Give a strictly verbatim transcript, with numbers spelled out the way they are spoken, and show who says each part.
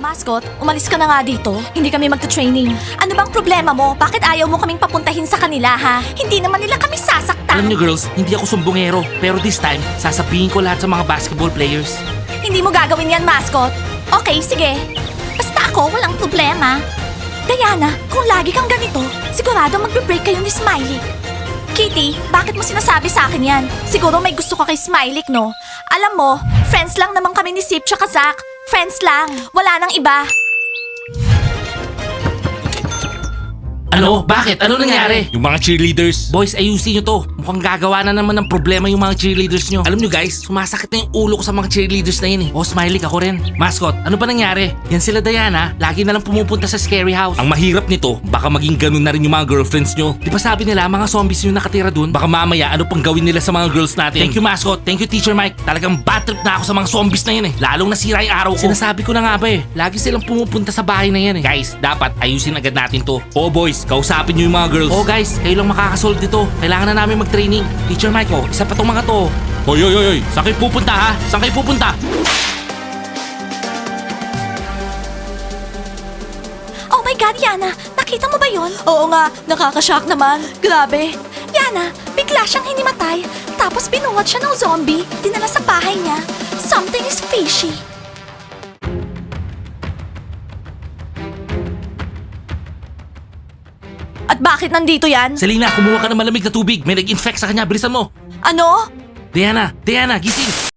Speaker 1: Mascot, umalis ka na nga dito. Hindi kami magta-training. Ano bang problema mo? Bakit ayaw mo kaming papuntahin sa kanila, ha? Hindi naman nila kami sasaktan.
Speaker 2: Alam niyo girls, hindi ako sumbongero. Pero this time, sasabihin ko lahat sa mga basketball players.
Speaker 1: Hindi mo gagawin yan, Mascot. Okay, sige. Basta ako, walang problema. Diana, kung lagi kang ganito, sigurado magbe-break kayo ni Smiley. Kitty, bakit mo sinasabi sa akin yan? Siguro may gusto ka kay Smiley, no? Alam mo, friends lang naman kami ni Sip tsaka Zach. Friends lang. Wala nang iba.
Speaker 2: Ano? Bakit? Ano nangyari? Yung mga cheerleaders. Boys, ayusin nyo to. Mukhang gagawa na naman ng problema yung mga cheerleaders nyo. Alam nyo guys, sumasakit na yung ulo ko sa mga cheerleaders na yun eh. Oh, Smiley, ako rin. Mascot, ano ba nangyari? Yan sila Diana, lagi na lang pumupunta sa scary house. Ang mahirap nito, baka maging ganun na rin yung mga girlfriends nyo. Di ba sabi nila, mga zombies yung nakatira dun? Baka mamaya, ano pang gawin nila sa mga girls natin? Thank you, Mascot. Thank you, Teacher Mike. Talagang bad trip na ako sa mga zombies na yun eh. Lalong nasira yung araw ko. Sinasabi ko na nga ba eh, lagi silang pumupunta sa bahay na yan eh. Guys, dapat ayusin agad natin to. Oh boys, kausapin nyo yung mga girls. Oh guys, kayo lang makakasolve dito. Kailangan na namin mag-training. Teacher Mike, oh, isa pa tong mga to. Hoy, hoy, hoy, hoy. Saan kayo pupunta ha? Saan kayo pupunta?
Speaker 1: Oh my God, Yana! Nakita mo ba yon? Oo nga, nakakashock naman. Grabe. Yana, bigla siyang hinimatay. Tapos binuhat siya ng zombie. Dinala sa bahay niya. Something is fishy. At bakit nandito yan?
Speaker 2: Selena, kumuha ka ng malamig na tubig. May nag-infect sa kanya. Bilisan mo.
Speaker 1: Ano?
Speaker 2: Diana, Diana, gising.